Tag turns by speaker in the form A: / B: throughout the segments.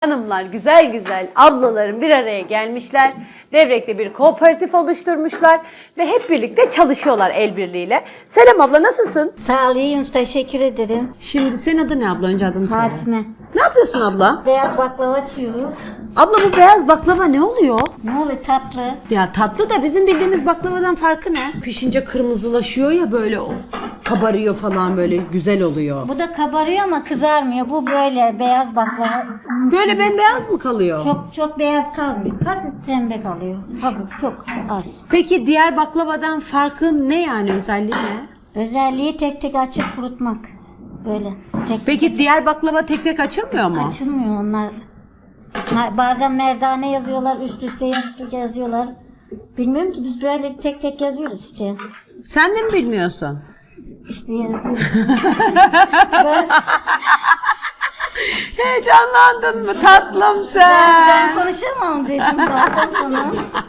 A: Hanımlar güzel güzel ablalarım bir araya gelmişler. Devrek'te bir kooperatif oluşturmuşlar ve hep birlikte çalışıyorlar el birliğiyle. Selam abla, nasılsın?
B: Sağ olayım, teşekkür ederim.
A: Şimdi senin adın ne abla? Önce adını söyle.
B: Fatime.
A: Ne yapıyorsun abla?
B: Beyaz baklava açıyoruz.
A: Abla bu beyaz baklava ne oluyor?
B: Ne oluyor, tatlı?
A: Ya tatlı da bizim bildiğimiz baklavadan farkı ne? Pişince kırmızılaşıyor ya, böyle o kabarıyor falan, böyle güzel oluyor.
B: Bu da kabarıyor ama kızarmıyor. Bu böyle beyaz baklava.
A: Böyle bembeyaz mı kalıyor?
B: Çok beyaz kalmıyor. Hafif pembe kalıyor. Hafif, çok az.
A: Peki diğer baklavadan farkı ne, yani özelliği ne?
B: Özelliği tek tek açıp kurutmak. Böyle tek
A: Peki diğer baklava tek tek açılmıyor mu?
B: açılmıyor onlar. Bazen merdane yazıyorlar, üst üste yazıyorlar. Bilmiyorum ki, biz böyle tek tek yazıyoruz işte.
A: Sen de mi bilmiyorsun?
B: İşte yazıyoruz. Ben
A: Heyecanlandın mı tatlım sen?
B: konuşamam dedim zaten sana.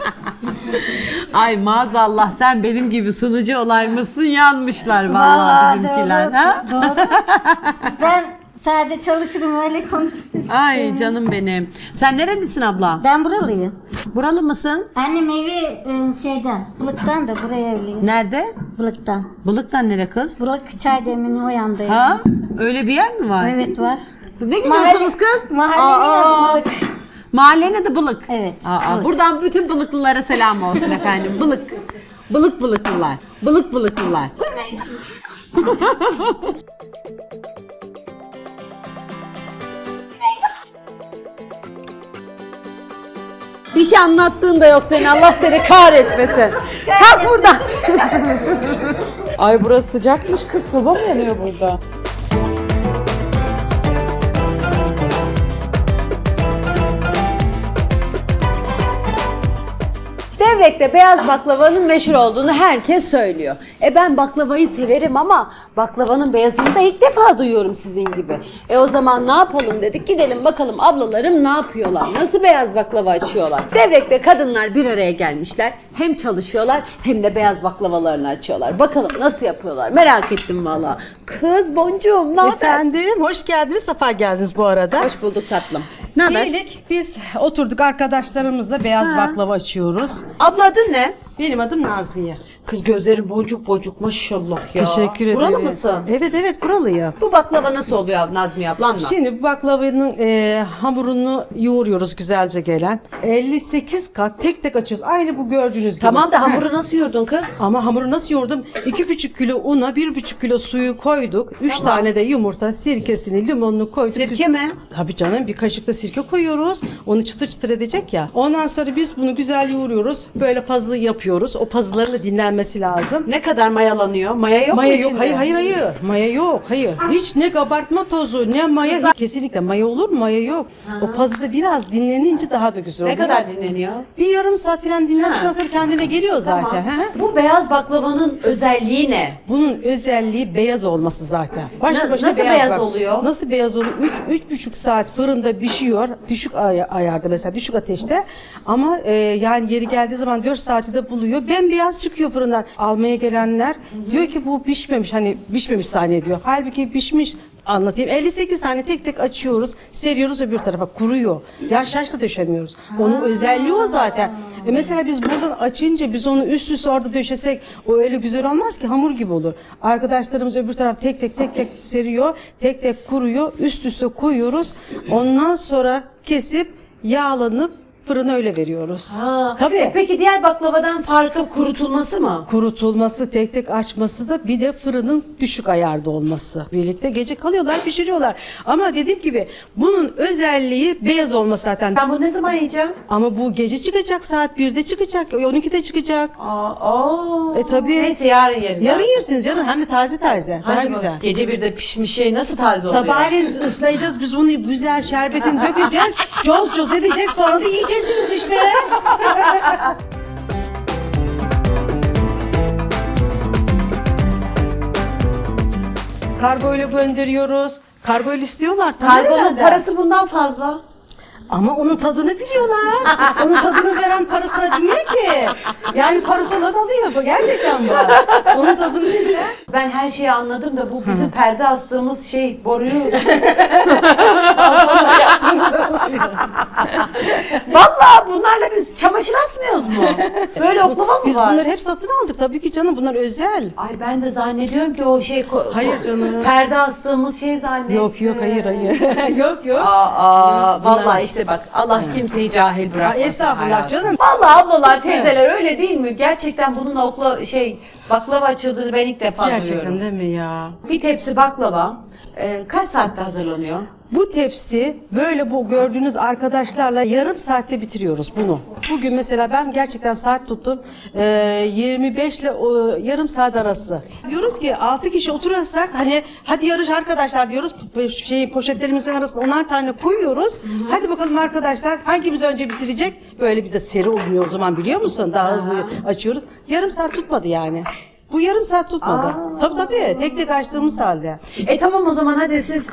A: Ay maazallah, sen benim gibi sunucu olaymışsın, yanmışlar vallahi bizimkiler.
B: Doğru,
A: Ha?
B: doğru. Ben sadece çalışırım, öyle konuşurum.
A: Ay canım benim. Sen nerelisin abla?
B: Ben buralıyım.
A: Buralı mısın?
B: Annem evi şeyden, Bılık'tan da buraya evliyim.
A: Nerede?
B: Bılık'tan.
A: Bılık'tan nere kız?
B: Bılık Çaydemir'in o yandayım.
A: Ha? Öyle bir yer mi var?
B: Evet, var.
A: Ne gülüyorsunuz kız?
B: Mahallenin adı Bılık.
A: Mahallenin adı Bılık.
B: Evet, Bılık.
A: Buradan bütün Bılıklılara selam olsun efendim. Bılık. Bılıklılar. Bılıklılar. Bir şey anlattığın da yok senin, Allah seni kahretmesin. Kalk buradan. Ay burası sıcakmış kız, soba mı yanıyor burada? Devrek'te beyaz baklavanın meşhur olduğunu herkes söylüyor. Ben baklavayı severim ama baklavanın beyazını da ilk defa duyuyorum sizin gibi. O zaman ne yapalım dedik, gidelim bakalım ablalarım ne yapıyorlar, nasıl beyaz baklava açıyorlar. Devrek'te kadınlar bir araya gelmişler, hem çalışıyorlar hem de beyaz baklavalarını açıyorlar. Bakalım nasıl yapıyorlar, merak ettim valla. Kız Boncuğum, ne haber?
C: Efendim, hoş geldiniz, sefa geldiniz bu arada.
A: Hoş bulduk tatlım. Ne haber?
C: Diyelik biz oturduk arkadaşlarımızla beyaz baklava açıyoruz.
A: Abla adın ne?
C: Benim adım Nazmiye.
A: Kız gözlerin boncuk boncuk maşallah ya.
C: Teşekkür ederim.
A: Buralı mısın?
C: Evet, buralıyım.
A: Bu baklava nasıl oluyor Nazmiye ablanla?
C: Şimdi bu baklavanın hamurunu yoğuruyoruz güzelce gelen. 58 kat tek tek açıyoruz. Aynı bu gördüğünüz gibi.
A: Tamam da
C: Heh.
A: hamuru nasıl yoğurdun kız?
C: Ama hamuru nasıl yoğurdum? 2,5 kilo una, 1,5 kilo suyu koyduk. 3 tane de yumurta, sirkesini, limonunu koyduk.
A: Sirke mi?
C: Tabii canım, bir kaşık da sirke koyuyoruz. Onu çıtır çıtır edecek ya. Ondan sonra biz bunu güzel yoğuruyoruz. Böyle pazı yapıyoruz. O pazıların da dinlenmesi lazım.
A: Ne kadar mayalanıyor? Maya yok
C: Maya
A: mu
C: yok.
A: içinde?
C: Hayır. Maya yok. Hayır. Hiç ne kabartma tozu ne maya. Hiç. Kesinlikle maya olur mu? Maya yok. O pazıda biraz dinlenince daha da güzel
A: Ne
C: oluyor.
A: kadar dinleniyor?
C: Bir yarım saat falan dinlendikten sonra kendine geliyor zaten.
A: Tamam.
C: Hı hı.
A: Bu beyaz baklavanın özelliği ne?
C: Bunun özelliği beyaz olması zaten. Başlı başına
A: nasıl beyaz
C: bak.
A: oluyor?
C: Nasıl beyaz oluyor? 3,5 saat fırında pişiyor. Düşük ayarda, mesela düşük ateşte. Ama yani yeri geldiği zaman 4 saati de buluyor. Bembeyaz çıkıyor fırından. Almaya gelenler diyor ki bu pişmemiş, hani pişmemiş zannediyor. Halbuki pişmiş. Anlatayım. 58 tane tek tek açıyoruz, seriyoruz, öbür tarafa kuruyor. Yaş da döşemiyoruz. Onun özelliği o zaten. Mesela biz buradan açınca biz onu üst üste orada döşesek o öyle güzel olmaz ki, hamur gibi olur. Arkadaşlarımız öbür taraf tek tek seriyor, tek tek kuruyor, üst üste koyuyoruz. Ondan sonra kesip yağlanıp fırına öyle veriyoruz. Tabii.
A: Peki diğer baklavadan farkı kurutulması mı?
C: Kurutulması, tek tek açması da, bir de fırının düşük ayarda olması. Birlikte gece kalıyorlar, pişiriyorlar. Ama dediğim gibi bunun özelliği beyaz olması zaten.
A: Ben bunu ne zaman yiyeceğim?
C: Ama bu gece çıkacak, saat 1'de çıkacak, 12'de çıkacak. Tabii.
A: Neyse yarın yeriz.
C: Yarın yersiniz, yarın, hem de taze daha
A: Hadi
C: güzel.
A: bak, gece bir de pişmiş şey nasıl taze oluyor?
C: Sabahleyin ıslayacağız biz bunu, güzel şerbetini dökeceğiz, coz edecek, sonra da yiyeceksiniz işte. Kargoyla gönderiyoruz. Kargoyla istiyorlar.
A: Kargonun
C: Nereden?
A: parası bundan fazla.
C: Ama onun tadını biliyorlar. Onun tadını veren parasını acımıyor ki. Yani parası olan alıyor bu. Gerçekten bu. Onun tadını biliyor.
A: Ben her şeyi anladım da bu bizim perde astığımız boruyu. Vallahi bunlarla biz çamaşır asmıyoruz mu? Böyle oklava mı
C: Biz
A: var?
C: bunları hep satın aldık. Tabii ki canım, bunlar özel.
A: Ay ben de zannediyorum ki o
C: Hayır canım.
A: perde astığımız zannediyorum.
C: Yok hayır. yok.
A: Vallahi işte bak Allah kimseyi cahil bırakmasın.
C: Estağfurullah
A: hayatım.
C: canım.
A: Vallahi ablalar, teyzeler öyle değil mi? Gerçekten bununla baklava açıldığını ben ilk defa
C: Gerçekten
A: duyuyorum.
C: değil mi ya?
A: Bir tepsi baklava kaç saatte hazırlanıyor?
C: Bu tepsi böyle bu gördüğünüz arkadaşlarla yarım saatte bitiriyoruz bunu. Bugün mesela ben gerçekten saat tuttum. 25 ile yarım saat arası. Diyoruz ki 6 kişi oturursak hani hadi yarış arkadaşlar diyoruz. Poşetlerimizin arasına 10'ar tane koyuyoruz. Hadi bakalım arkadaşlar hangimiz önce bitirecek? Böyle bir de seri olmuyor o zaman, biliyor musun? Daha hızlı açıyoruz. Yarım saat tutmadı yani. Bu yarım saat tutmadı. Tabii. Tek tek açtığımız halde.
A: Tamam o zaman hadi siz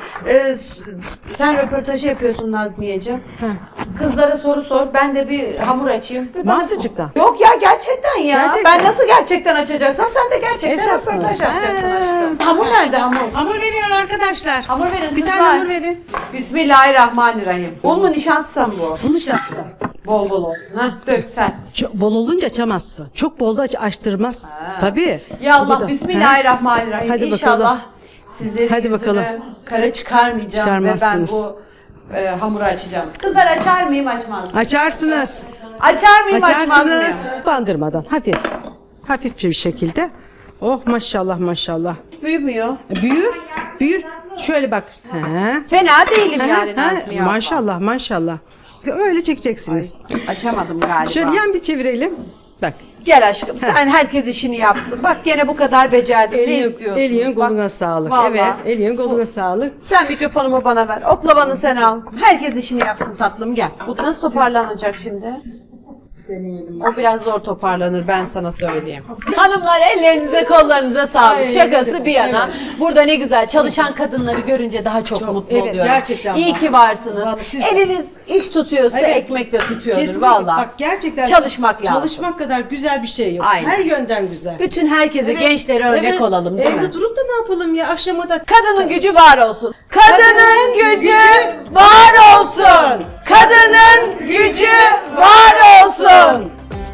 A: sen röportajı yapıyorsun Nazmiyeciğim. Kızlara soru sor. Ben de bir hamur açayım.
C: Mahsucuk'tan.
A: Yok ya gerçekten ya.
C: Gerçekten.
A: Ben nasıl gerçekten açacaksam sen de gerçekten
C: Esas mı?
A: röportaj yapacaksın
C: Ha.
A: aşkım. Hamur nerede hamur?
C: Hamur veriyor arkadaşlar.
A: Hamur verin
C: Bir
A: kızlar.
C: tane hamur verin.
A: Bismillahirrahmanirrahim. Un mu nişasta mı bu?
C: Bunu şahslar.
A: Bol bol olsun. Dök sen.
C: Çok bol olunca açamazsın. Çok bol da açtırmaz. Tabii.
A: Ya
C: Bu
A: Allah
C: da-
A: Bismillahirrahmanirrahim.
C: Hadi
A: İnşallah
C: bakalım.
A: sizlerin
C: Hadi
A: yüzünü
C: bakalım.
A: kara çıkarmayacağım ve ben
C: Çıkarmazsınız.
A: bu hamuru açacağım. Kızlar açar mıyım açmaz mıyım?
C: Açarsınız.
A: Açar mıyım açmaz
C: Açarsınız.
A: mıyım?
C: Bandırmadan hafif. Hafif bir şekilde. Oh maşallah.
A: Büyümüyor.
C: Büyür. Şöyle bak.
A: Fena değilim yani Nazmiye abla.
C: Maşallah. Öyle çekeceksiniz.
A: Açamadım galiba.
C: Şöyle yan bir çevirelim. Bak.
A: Gel aşkım sen herkes işini yapsın. Bak gene bu kadar becerdin. Ne istiyorsun?
C: Elin
A: Bak,
C: koluna sağlık.
A: vallahi.
C: Evet. Elin koluna sağlık.
A: Sen mikrofonumu bana ver. Oklavanı sen al. Herkes işini yapsın tatlım gel. Bu nasıl toparlanacak şimdi?
C: Deneyelim.
A: O biraz zor toparlanır ben sana söyleyeyim. Hanımlar ellerinize kollarınıza sağlık.
C: Ay,
A: Şakası
C: evet,
A: bir yana. Burada ne güzel çalışan kadınları görünce daha çok mutlu
C: evet,
A: oluyorum.
C: gerçekten
A: İyi
C: bak.
A: ki varsınız.
C: Vallahi siz de.
A: Eliniz iş tutuyorsa
C: Evet.
A: ekmek de tutuyordur
C: Kesinlikle.
A: vallahi.
C: Bak gerçekten
A: Çalışmak lazım.
C: Çalışmak kadar güzel bir şey yok.
A: Aynen.
C: Her yönden güzel.
A: Bütün herkese gençlere örnek
C: Evet.
A: olalım değil
C: Evde
A: mi?
C: durup da ne yapalım ya, akşama da
A: Kadının gücü var olsun. Kadının gücü var olsun. Kadının gücü var olsun.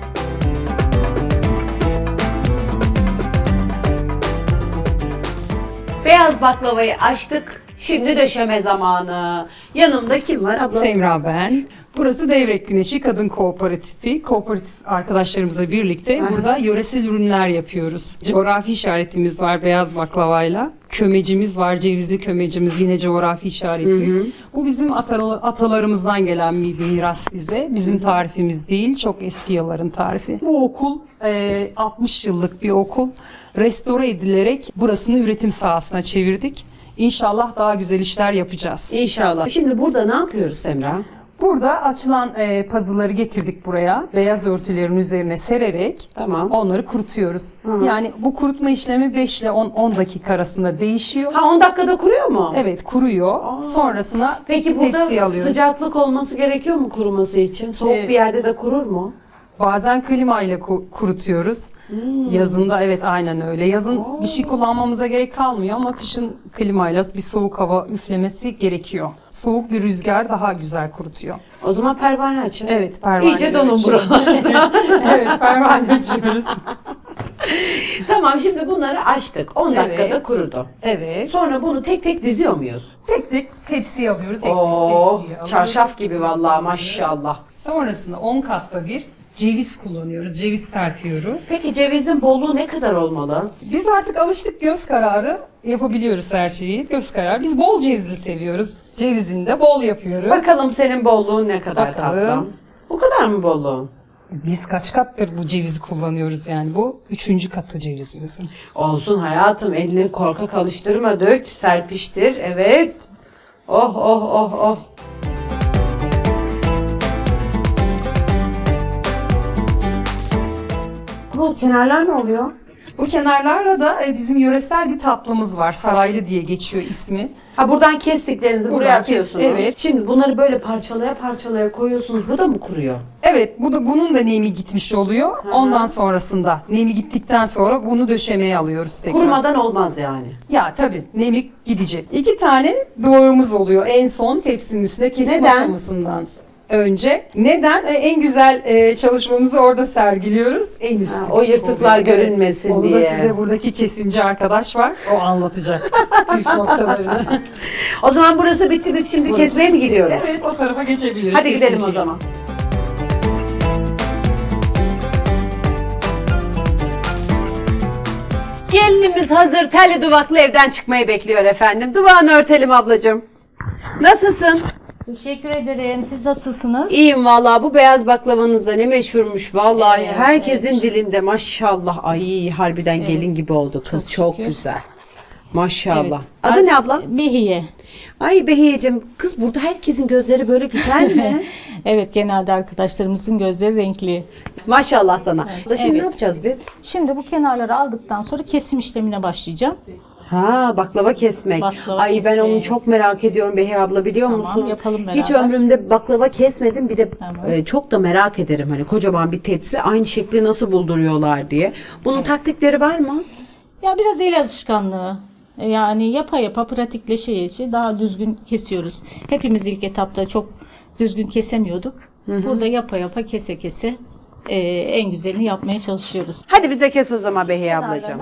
A: Beyaz baklavayı açtık. Şimdi döşeme zamanı. Yanımda kim var abla?
D: Semra ben. Burası Devrek Güneşi Kadın Kooperatifi. Kooperatif arkadaşlarımızla birlikte burada yöresel ürünler yapıyoruz. Coğrafi işaretimiz var beyaz baklavayla. Kömecimiz var, cevizli kömecimiz yine coğrafi işaretli. Bu bizim atalarımızdan gelen bir miras bize. Bizim tarifimiz değil, çok eski yılların tarifi. Bu okul 60 yıllık bir okul. Restore edilerek burasını üretim sahasına çevirdik. İnşallah daha güzel işler yapacağız.
A: İnşallah. Şimdi burada ne yapıyoruz Semra?
D: Burada açılan pazıları getirdik buraya. Beyaz örtülerin üzerine sererek
A: Tamam.
D: onları kurutuyoruz. Yani bu kurutma işlemi 5 ile 10 dakika arasında değişiyor.
A: Ha 10 dakikada kuruyor mu?
D: Evet kuruyor. Sonrasına
A: Peki
D: tepsiye
A: burada
D: alıyoruz.
A: sıcaklık olması gerekiyor mu kuruması için? Soğuk bir yerde de kurur mu?
D: Bazen klima ile kurutuyoruz. Yazında evet aynen öyle. Yazın bir şey kullanmamıza gerek kalmıyor ama kışın klimayla bir soğuk hava üflemesi gerekiyor. Soğuk bir rüzgar daha güzel kurutuyor.
A: O zaman pervane açın.
D: Evet pervane.
A: İyice donun buralarda.
D: Evet pervane açıyoruz.
A: Tamam şimdi bunları açtık. 10 dakikada
D: Evet.
A: kurudu.
D: Evet.
A: Sonra bunu tek tek diziyor muyuz?
D: Tek tek tepsiye alıyoruz. Tek tek
A: Oo,
D: tepsiye alıyoruz.
A: çarşaf gibi vallahi maşallah.
D: Sonrasında 10 katta bir ceviz kullanıyoruz. Ceviz serpiyoruz.
A: Peki cevizin bolluğu ne kadar olmalı?
D: Biz artık alıştık, göz kararı yapabiliyoruz her şeyi. Göz kararı. Biz bol cevizli seviyoruz. Cevizini de bol yapıyoruz.
A: Bakalım senin bolluğun ne kadar
D: Bakalım.
A: tatlım? Bu kadar mı bolluğun?
D: Biz kaç kattır bu cevizi kullanıyoruz yani. Bu 3. katı cevizimizin.
A: Olsun hayatım elini korkak alıştırma dök serpiştir evet. Oh oh oh oh. Bu kenarlar ne oluyor?
D: Bu kenarlarla da bizim yöresel bir tatlımız var. Saraylı diye geçiyor ismi.
A: Ha buradan kestiklerinizi buraya
D: Buradan
A: atıyorsunuz.
D: evet.
A: Şimdi bunları böyle parçalaya parçalaya koyuyorsunuz. Bu da mı kuruyor?
D: Evet, bunun da nemi gitmiş oluyor. Ondan sonrasında nemi gittikten sonra bunu döşemeye alıyoruz tekrar.
A: Kurumadan olmaz yani.
D: Ya tabii nemi gidecek. 2 tane doğrumuz oluyor en son tepsinin üstüne kesim
A: Neden?
D: aşamasından önce. Neden? En güzel çalışmamızı orada sergiliyoruz. En üst.
A: O yırtıklar görünmesin
D: Onu da
A: diye.
D: size buradaki kesimci arkadaş var. O anlatacak. Püf noktalarını.
A: O zaman burası bitti, biz şimdi kesmeye mi gidiyoruz?
D: Evet, o tarafa geçebiliriz.
A: Hadi gidelim o
D: kesinlikle.
A: zaman. Gelinimiz hazır telli duvaklı evden çıkmayı bekliyor efendim. Duvağını örtelim ablacığım. Nasılsın?
E: Teşekkür ederim. Siz nasılsınız?
A: İyiyim vallahi. Bu beyaz baklavanız da ne meşhurmuş vallahi.
E: Evet,
A: Herkesin dilinde maşallah. Ay harbiden gelin gibi oldu kız. Çok
E: şükür.
A: güzel. Maşallah.
E: Evet.
A: Adı ne abla?
E: Behiye.
A: Ay Behiyeciğim, kız burada herkesin gözleri böyle güzel mi?
E: Evet, genelde arkadaşlarımızın gözleri renkli.
A: Maşallah sana. Şimdi
E: Evet.
A: ne yapacağız biz?
E: Şimdi bu kenarları aldıktan sonra kesim işlemine başlayacağım.
A: Ha, baklava kesmek.
E: Baklava
A: Ay ben
E: kesmeyi.
A: onu çok merak ediyorum Behiye abla, biliyor
E: Tamam,
A: musun?
E: yapalım
A: Hiç
E: beraber.
A: ömrümde baklava kesmedim. Bir de
E: Tamam.
A: çok da merak ederim hani kocaman bir tepsi aynı şekli nasıl bulduruyorlar diye. Bunun taktikleri var mı?
E: Ya biraz el alışkanlığı. Yani yapa yapa pratikleşe daha düzgün kesiyoruz. Hepimiz ilk etapta çok düzgün kesemiyorduk. Burada yapa yapa kese kese en güzelini yapmaya çalışıyoruz.
A: Hadi bize kes o zaman Behiye ablacığım.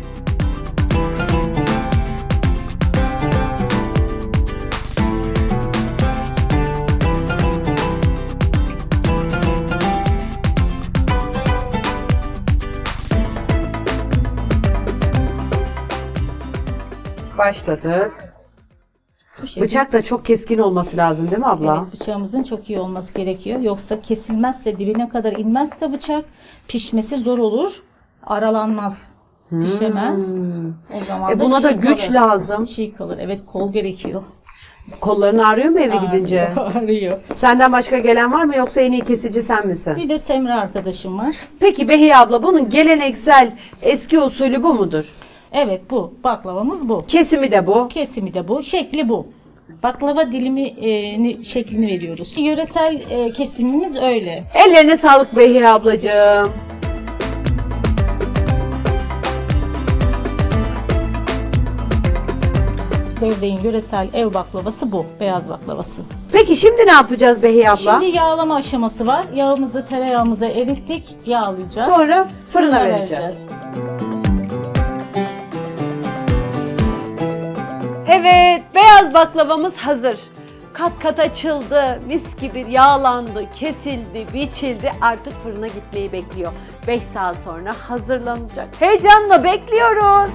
A: Başladık.
E: Bu şekilde.
A: Bıçak da çok keskin olması lazım değil mi abla?
E: Evet, bıçağımızın çok iyi olması gerekiyor. Yoksa kesilmezse, dibine kadar inmezse bıçak pişmesi zor olur. Aralanmaz. Pişemez. O zaman
A: Buna da
E: çiğ
A: güç
E: kalır.
A: lazım.
E: Çiğ kalır. Evet, kol gerekiyor.
A: Kolların ağrıyor mu eve gidince?
E: Ağrıyor.
A: Senden başka gelen var mı yoksa en iyi kesici sen misin?
E: Bir de Semra arkadaşım var.
A: Peki Behiye abla, bunun geleneksel eski usulü bu mudur?
E: Evet, bu. Baklavamız bu.
A: Kesimi de bu.
E: Kesimi de bu. Şekli bu. Baklava dilimi şeklini veriyoruz. Yöresel kesimimiz öyle.
A: Ellerine sağlık Behiye ablacığım.
E: Devreğin yöresel ev baklavası bu. Beyaz baklavası.
A: Peki şimdi ne yapacağız Behiye abla?
E: Şimdi yağlama aşaması var. Yağımızı tereyağımıza erittik. Yağlayacağız.
A: Sonra fırına vereceğiz. Evet, beyaz baklavamız hazır. Kat kat açıldı, mis gibi yağlandı, kesildi, biçildi. Artık fırına gitmeyi bekliyor. 5 saat sonra hazırlanacak. Heyecanla bekliyoruz.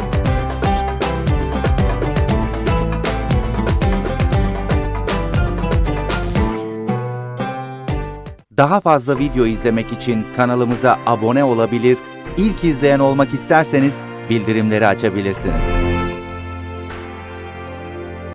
F: Daha fazla video izlemek için kanalımıza abone olabilir, ilk izleyen olmak isterseniz bildirimleri açabilirsiniz.